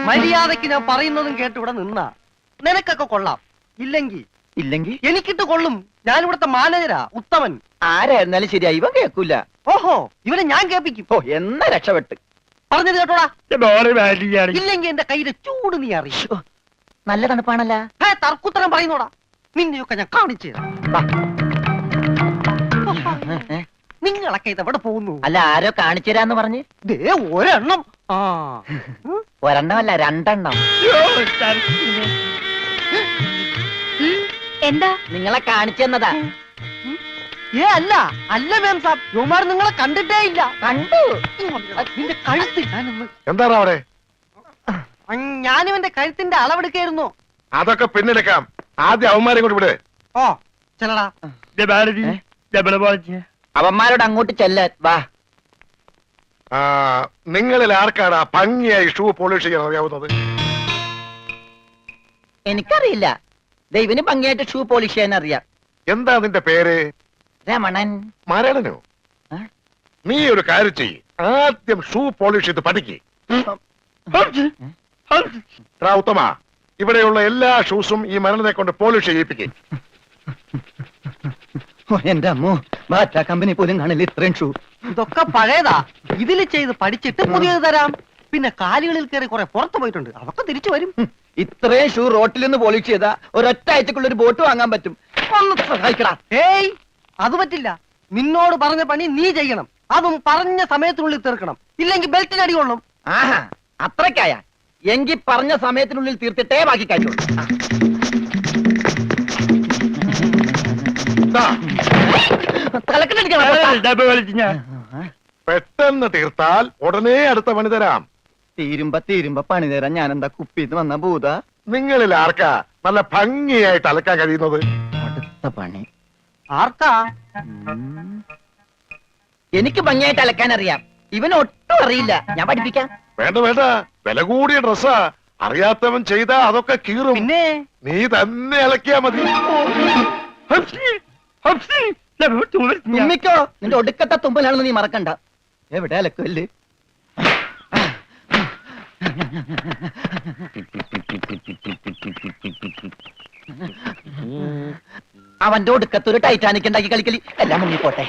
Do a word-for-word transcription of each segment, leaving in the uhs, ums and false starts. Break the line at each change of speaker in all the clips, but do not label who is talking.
മര്യാദക്ക് ഞാൻ പറയുന്നതും കേട്ട് ഇവിടെ നിന്നാ നിനക്കൊക്കെ കൊള്ളാം. ഇല്ലെങ്കിൽ
ഇല്ലെങ്കിൽ
എനിക്കിട്ട് കൊള്ളും. ഞാൻ ഇവിടുത്തെ മാനേജരാ, ഉത്തമൻ.
ആരായിരുന്നാലും ശരിയാ, ഇവൻ കേൾക്കൂല.
ഓഹോ, ഇവനെ ഞാൻ കേൾപ്പിക്കും.
ഓ, എന്നാ രക്ഷപ്പെട്ട്.
പറഞ്ഞത് കേട്ടോടാ. ഇല്ലെങ്കിൽ എന്റെ കയ്യിലെ ചൂട് നീ അറിയും.
നല്ല തണുപ്പാണല്ല.
തർക്കുത്തരം പറയുന്നോടാ. നിന്നെയൊക്കെ ഞാൻ കാണിച്ചു തരാം. നിങ്ങളൊക്കെ ഇത് എവിടെ പോകുന്നു?
അല്ല, ആരോ കാണിച്ചു തരാന്ന് പറഞ്ഞ്.
ദേ ഒരെണ്ണം. ആ
ഒരെണ്ണമല്ല, രണ്ടെണ്ണം.
എന്താ?
നിങ്ങളെ കാണിച്ചു തന്നതാ.
ഏ അല്ല അല്ല മാം സാബ്, യുമാർ നിങ്ങളെ കണ്ടിട്ടേ ഇല്ല.
കണ്ടു.
നിന്റെ കഴുത്ത് ഞാനൊന്ന്.
എന്താണ് അവിടെ?
ഞാനിവന്റെ കഴുത്തിന്റെ അളവെടുക്കായിരുന്നു.
അതൊക്കെ പിന്നെടുക്കാം. ആദ്യം അവന്മാരെ കൊണ്ട് വിട്.
ഓ ചെല്ലടാ.
അവന്മാരോട് അങ്ങോട്ട് ചെല്ലാൻ വാ.
നിങ്ങളിൽ ആർക്കാണ് ഭംഗിയായി ഷൂ പോളിഷ് ചെയ്യാൻ അറിയാവുന്നത്?
എനിക്കറിയില്ല. ദൈവന് ഭംഗിയായിട്ട് ഷൂ പോളിഷ് ചെയ്യാൻ അറിയാം.
എന്താ നിന്റെ പേര്?
രമണൻ.
മരണനോ? നീ ഒരു കാര്യം ചെയ്യ്, ആദ്യം ഷൂ പോളിഷ് ചെയ്ത് പഠിക്ക്. ഉത്തമ, ഇവിടെയുള്ള എല്ലാ ഷൂസും ഈ മരണനെ കൊണ്ട് പോളിഷ് ചെയ്യിപ്പിക്കും.
എന്റെ അമ്മോ, ബാറ്റ കമ്പനി പോലും കാണില്ല ഇത്രയും ഷൂ.
ഇതൊക്കെ പഴയതാ. ഇതിൽ ചെയ്ത് പഠിച്ചിട്ട് പുതിയത് തരാം. പിന്നെ കാലുകളിൽ കയറി കുറെ പുറത്തു പോയിട്ടുണ്ട്, അതൊക്കെ തിരിച്ചു വരും.
ഇത്രയും ഷൂ റോട്ടിൽ നിന്ന് പോളിഷ് ചെയ്താ ഒരൊറ്റ ആഴ്ചക്കുള്ള ഒരു ബോട്ട് വാങ്ങാൻ പറ്റും. ഒന്ന് സഹായിക്കടാ.
ഏയ്, അത് പറ്റില്ല. നിന്നോട് പറഞ്ഞ പണി നീ ചെയ്യണം. അതും പറഞ്ഞ സമയത്തിനുള്ളിൽ തീർക്കണം. ഇല്ലെങ്കിൽ ബെൽറ്റിന് അടി കൊള്ളും.
ആഹാ, അത്രക്കായ എങ്കിൽ പറഞ്ഞ സമയത്തിനുള്ളിൽ തീർത്തിട്ടേ ബാക്കി കഴിയുള്ളൂ.
പെട്ടെന്ന് തീർത്താൽ ഉടനെ അടുത്ത പണി തരാം.
തീരുമ്പ തീരുമ്പ പണി തരാൻ ഞാൻ എന്താ കുപ്പിന്ന് വന്ന ഭൂത?
നിങ്ങളിൽ ആർക്കാ നല്ല ഭംഗിയായിട്ട് അലക്കാൻ കഴിയുന്നത്?
അടുത്ത പണി
ആർക്കാ?
എനിക്ക് ഭംഗിയായിട്ട് അലക്കാൻ അറിയാം. ഇവന് ഒട്ടും അറിയില്ല. ഞാൻ പഠിപ്പിക്കാം.
വേണ്ട വേണ്ട, വില കൂടിയ ഡ്രസ്സാ. അറിയാത്തവൻ ചെയ്താ അതൊക്കെ കീറും.
പിന്നെ
നീ തന്നെ അലക്കിയാ മതി.
തുമ്മിക്കോ, നിന്റെ ഒടുക്കത്തെ തുമ്പലാണെന്ന് നീ മറക്കണ്ട. എവിടെ അലക്കല്ലേ? അവന്റെ ഒടുക്കത്തൊരു ടൈറ്റാനിക് ഉണ്ടാക്കി കളിക്കലി എല്ലാം മുങ്ങിപ്പോട്ടെ.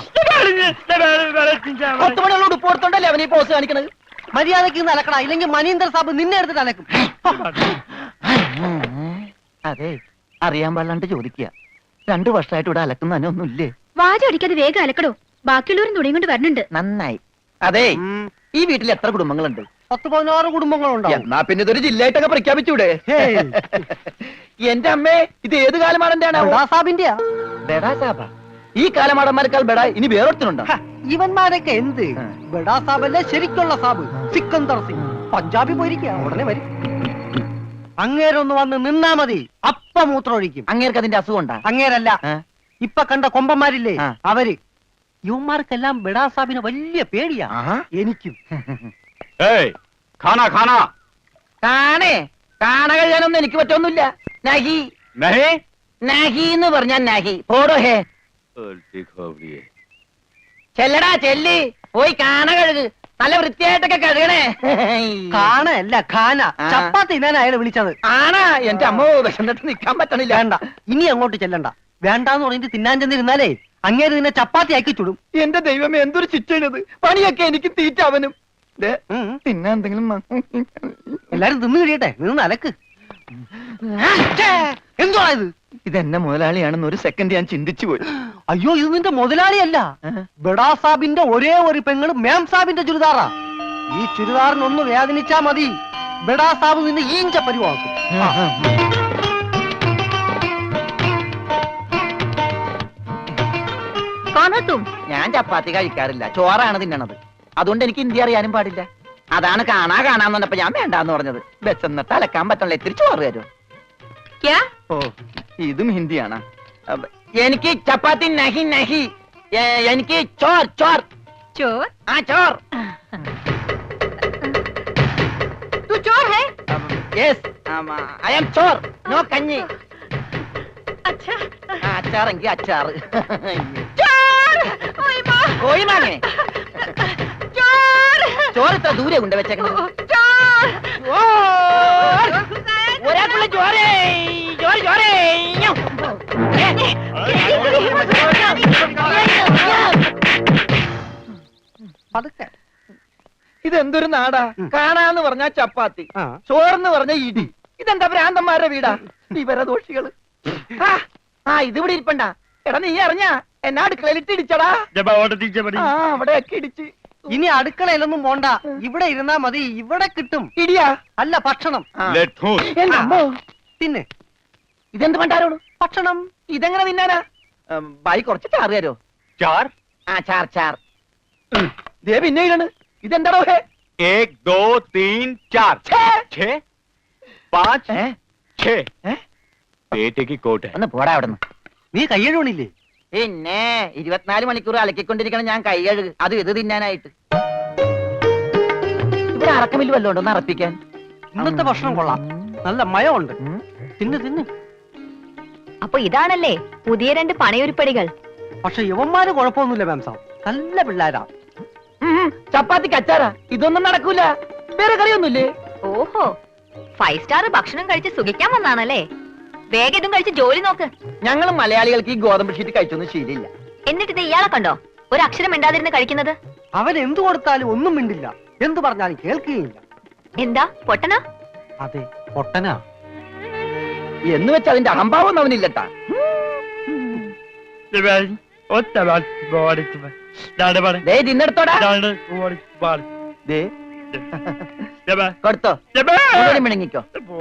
പത്ത് മണിയുള്ള ഉടുപ്പ് കൊടുത്തോണ്ടല്ലേ അവനീ പോസ് കാണിക്കണത്.
മര്യാദക്ക് അലക്കണ, ഇല്ലെങ്കിൽ മനീന്ദർ സാബ് നിന്നെ എടുത്തിട്ട് അലക്കും.
അതെ, അറിയാൻ പാടില്ലാണ്ട് ചോദിക്കുക. രണ്ടു വർഷമായിട്ട് ഇവിടെ അലക്കുന്ന തന്നെ ഒന്നുമില്ലേ?
വാചടിക്കാതെ വേഗം അലക്കടോ, ബാക്കിയുള്ളവരും തുണിയും കൊണ്ട് വരണുണ്ട്.
നന്നായി. അതെ, ഈ വീട്ടിൽ എത്ര കുടുംബങ്ങളുണ്ട്?
പത്ത് പതിനാറ് കുടുംബങ്ങളുണ്ടാവും.
എന്നാ പിന്നെ ഇതൊരു ജില്ലയായിട്ടൊക്കെ പ്രഖ്യാപിച്ചൂടെ? എന്റെ അമ്മേ, ഇത് ഏത് കാലമാടന്റെയാണ്?
സാബിന്റെയാ.
ബെഡാ സാബ. ഈ കാലമാടന്മാരെക്കാൾ ബെഡാ ഇനി വേറൊരുത്തനുണ്ടോ?
ഇവന്മാരൊക്കെ എന്ത്? ബെഡാ സാബല്ലേ ശരിക്കുള്ള സാബ്, സിക്കന്ദർ സിംഗ്. പഞ്ചാബി പോയിരിക്കുക, ഉടനെ വരും. അങ്ങേരൊന്ന് വന്ന് നിന്നാ മതി, അപ്പ മൂത്രമൊഴിക്കും.
അങ്ങേർക്ക് അതിന്റെ അസുഖം ഉണ്ടാ?
അങ്ങേരല്ല, ഇപ്പൊ കണ്ട കൊമ്പന്മാരില്ലേ അവര്. യുവന്മാർക്കെല്ലാം ബെഡാ സാബിന് വലിയ പേടിയാ. എനിക്കും.
കാണേ കാണ കഴിയാനൊന്നും എനിക്ക് പറ്റൊന്നുമില്ല. നഹി നഹി എന്ന് പറഞ്ഞാൽ നഹി. പോടോ ഹേ. ചെല്ലടാ ചെല്ലി, പോയി കാണ കഴുക്. നല്ല വൃത്തിയായിട്ടൊക്കെ കഴുകണേ.
കാണല്ല ഖാന. ചപ്പാത്തി ഞാൻ അയാളെ വിളിച്ചത്.
ആണാ? എന്റെ അമ്മോ, വിശന്നിട്ട് നിക്കാൻ പറ്റണില്ല.
വേണ്ട, ഇനി അങ്ങോട്ട് ചെല്ലണ്ട. വേണ്ടാന്ന് പറഞ്ഞിട്ട് തിന്നാൻ ചെന്നിരുന്നാലേ അങ്ങേര് നിന്നെ ചപ്പാത്തി ആക്കി ചുടും.
എന്റെ ദൈവമേ, എന്തൊരു ശിക്ഷണത്. പണിയൊക്കെ എനിക്ക് തീറ്റ അവനും. പിന്നെ എന്തെങ്കിലും
എല്ലാരും തിന്നു കഴിയട്ടെ, നിന്ന് അലക്ക്. എന്തുവാ ഇത്?
ഇതെന്നെ മുതലാളിയാണെന്ന് ഒരു സെക്കൻഡ് ഞാൻ ചിന്തിച്ചു പോയി.
അയ്യോ, ഇത് നിന്റെ മുതലാളിയല്ല. ബെഡാ സാബിന്റെ ഒരേ ഒരു പെങ്ങള് മാം സാബിന്റെ ചുരിദാറാ. ഈ ചുരിദാറിനൊന്ന് വേദനിച്ചാ മതി, ബെഡാ സാബ് നിന്നെ ഈഞ്ച പരിവാക്കും.
ഞാൻ ചപ്പാത്തി കഴിക്കാറില്ല, ചോറാണ് തിന്നണത്. അതുകൊണ്ട് എനിക്ക് ഹിന്ദി അറിയാനും പാടില്ല. അതാണ് കാണാ കാണാന്ന് പറഞ്ഞപ്പോ ഞാൻ വേണ്ടാന്ന് പറഞ്ഞത്. ബെച്ചെന്നിട്ട് അലക്കാൻ പറ്റണല്ലോ, ഇത്തിരി ചോറ് തരും. ഓ, ഇതും ഹിന്ദിയാണ്. എനിക്ക് ചപ്പാത്തി നഹി നഹി, എനിക്ക് ചോർ ചോർ
ചോർ.
ആ ചോർ.
तू चोर है?
Yes, I am chor. No kanji.
अच्छा.
അച്ചാറെങ്കിൽ അച്ചാറ്.
ചോർ. ഓയ് മാ.
കോഴി മാങ്ങേ.
ചോർ.
ചോറ് ഇത്ര ദൂരെ കൊണ്ട് വെച്ചേക്കണം.
ചോർ.
പതുക്കെ.
ഇതെന്തൊരു നാടാ?
ഉം.
കാണാന്ന് പറഞ്ഞാ ചപ്പാത്തി,
ആ.
ചോറെന്ന് പറഞ്ഞ ഇടി. ഇതെന്താ ഭ്രാന്തന്മാരുടെ വീടാ? വിവരദോഷികള്. ആ, ആ ഇതിവിടെ ഇരിപ്പണ്ട. എടാ നീ അറിഞ്ഞാ എന്നാ അടുക്കളയിലിട്ട് ഇടിച്ചടാ. ആ അവിടെയൊക്കെ ഇടിച്ച്.
ഇനി അടുക്കളയിലൊന്നും പോണ്ട, ഇവിടെ ഇരുന്നാ മതി. ഇവിടെ കിട്ടും.
ഇടിയാ?
അല്ല, ഭക്ഷണം.
ആ.
ലെറ്റ്
എന്റെ അമ്മോ.
തിന്നെ.
ഇതെന്ത് പണ്ടാരോട്?
ഭക്ഷണം.
ഇതെങ്ങനെ തിന്നാനാ? ഉം, ബായി കുറച്ച് ചാറ് തരോ?
चार
ആ ചാർ ചാർ. ഉം, ദേ പിന്നെ ഇതാണ്. ഇതെന്താടോ ഹേ?
एक दो तीन चार
ഛേ.
छह पाँच
ഏ?
छह
ഏ?
बेटे की कोट है
ഒന്ന് പോടാ അവിടുന്ന്.
നീ കയ്യഴുണില്ലേ?
പിന്നെ ഇരുപത്തിനാല് മണിക്കൂർ അലക്കിക്കൊണ്ടിരിക്കണം ഞാൻ കൈ കഴുകു. അത് ഇത് തിന്നാനായിട്ട്. ഇവിടെ അറക്കമില്ല വല്ലോണ്ട് ഒന്ന് അറപ്പിക്കാൻ.
ഇന്നത്തെ ഭക്ഷണം കൊള്ളാം. നല്ല മയമുണ്ട്.
ഉം.
തിന്ന് തിന്ന്.
അപ്പൊ ഇതാണല്ലേ പുതിയ രണ്ട് പണയൊരുപ്പടികൾ.
പക്ഷെ യവന്മാര് കുഴപ്പമൊന്നുമില്ല മാം സാബ്. നല്ല പിള്ളേരാ.
ഉം, ചപ്പാത്തിക്ക് അച്ചാറാ. ഇതൊന്നും നടക്കൂല. വേറെ കറിയൊന്നുമില്ലേ?
ഓഹോ, ഫൈവ് സ്റ്റാർ ഭക്ഷണം കഴിച്ച് സുഖിക്കാൻ വന്നാണല്ലേ? വേഗം ഇതും കഴിച്ച് ജോലി നോക്ക്.
ഞങ്ങൾ മലയാളികൾക്ക് ഈ ഗോതമ്പ് ഷീറ്റ് കഴിച്ചൊന്നും ശീലില്ല.
എന്നിട്ട് ഇത് ഇയാളെ കണ്ടോ ഒരു അക്ഷരം മിണ്ടാതിരുന്ന് കഴിക്കുന്നത്?
അവൻ എന്തു കൊടുത്താലും ഒന്നും മിണ്ടില്ല. എന്തു പറഞ്ഞാലും കേൾക്കുകയില്ല.
എന്താ പൊട്ടനാ?
അതെ, പൊട്ടനാ.
എന്ന് വെച്ച് അതിന്റെ അഹംഭാവം അവനില്ലട്ടാ. ദേ തിന്നെടുത്തോടാ. ദേ കൊടുത്തോ. മുഴുവനും മിണങ്ങിക്കോ.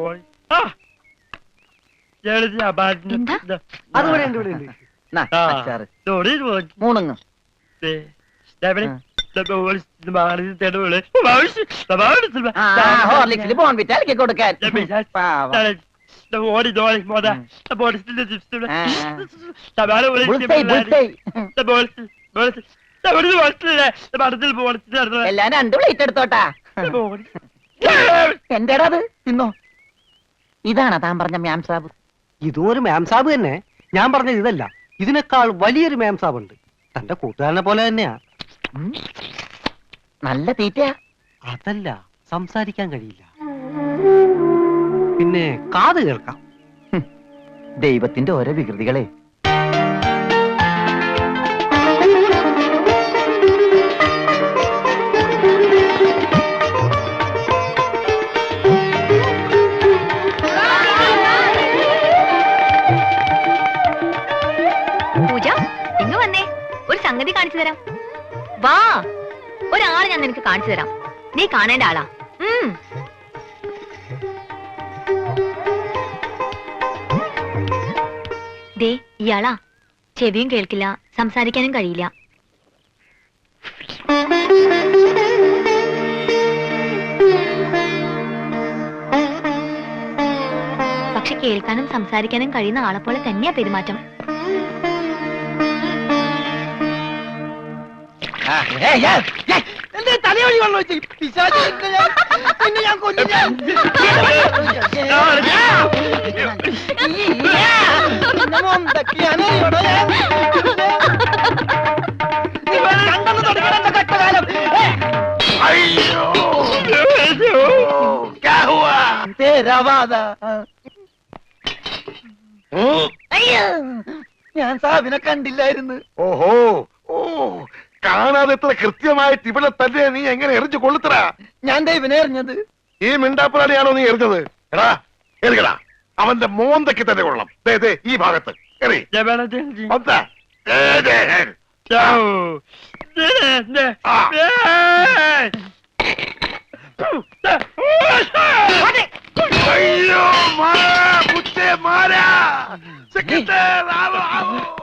എന്താ?
അതുകൂടെ ഉണ്ട്, ഇവിടെ ഉണ്ട്.
നാ, അച്ചാറ്. മൂണുങ്ങ്. ആ, ഹോർലിക്സിൽ ബോൺവിറ്റ അലക്കി കൊടുക്കാൻ. പാവം. Bullseye, bullseye. എല്ലാം രണ്ട് പ്ലേറ്റ് എടുത്തോട്ടാ. എന്റേടാ അത്? തിന്നോ. ഇതാണോ താൻ പറഞ്ഞ മ്യാം സാബ്?
ഇതും ഒരു മാം സാബ് തന്നെ. ഞാൻ പറഞ്ഞത് ഇതല്ല, ഇതിനേക്കാൾ വലിയൊരു മാം സാബ് ഉണ്ട്. തന്റെ കൂട്ടുകാരനെ പോലെ തന്നെയാ.
ഉം. നല്ല തീറ്റയാ.
അതല്ല, സംസാരിക്കാൻ കഴിയില്ല. പിന്നെ കാത് കേൾക്കാം.
ഹും. ദൈവത്തിന്റെ ഓരോ വികൃതികളെ.
പൂജ, ഇങ്ങ് വന്നേ, ഒരു സംഗതി കാണിച്ചു തരാം. വാ, ഒരാളെ ഞാൻ നിനക്ക് കാണിച്ചു തരാം. നീ കാണേണ്ട ആളാ. ഉം. ദേ ഇയാളാ. ചെവിയും കേൾക്കില്ല, സംസാരിക്കാനും കഴിയില്ല. പക്ഷെ കേൾക്കാനും സംസാരിക്കാനും കഴിയുന്ന ആളെപ്പോലെ തന്നെയാ പെരുമാറ്റം.
തലയോടി വെള്ളം വെച്ച് പിശാച് നിന്നെ ഞാൻ- നിന്നെ ഞാൻ കൊല്ലും ഞാൻ. നിന്നെ മൊന്തക്കിയാണ് ഇവിടെ ഞാൻ. നിന്നെ കണ്ടെന്ന് തുടങ്ങിയാണ് എന്റെ കഷ്ടകാലം.
अय्यो क्या हुआ
തേരാവാദ.
हम्म?
അയ്യോ, ഞാൻ സാബിനെ കണ്ടില്ലായിരുന്നു.
ഓഹോ ഓ കാണാതെ എത്ര കൃത്യമായിട്ട് ഇവിടെ തന്നെ നീ എങ്ങനെ എറിഞ്ഞു കൊള്ളുത്തറ?
ഞാൻ ദൈവനെ എറിഞ്ഞത്.
ഈ മിണ്ടാപ്പുറാണിയാണോ നീ എറിഞ്ഞത്? എടാ എറിയടാ, അവന്റെ മോന്തയ്ക്ക് തന്നെ കൊള്ളണം. ദേ ദേ ഈ ഭാഗത്ത് എറി. വന്നാ. ദേ, ദേ, ദേ. ആ. അയ്യോ മാ, മുത്തേ മാരാ. സെക്കൻഡ്, ആവോ, ആവോ.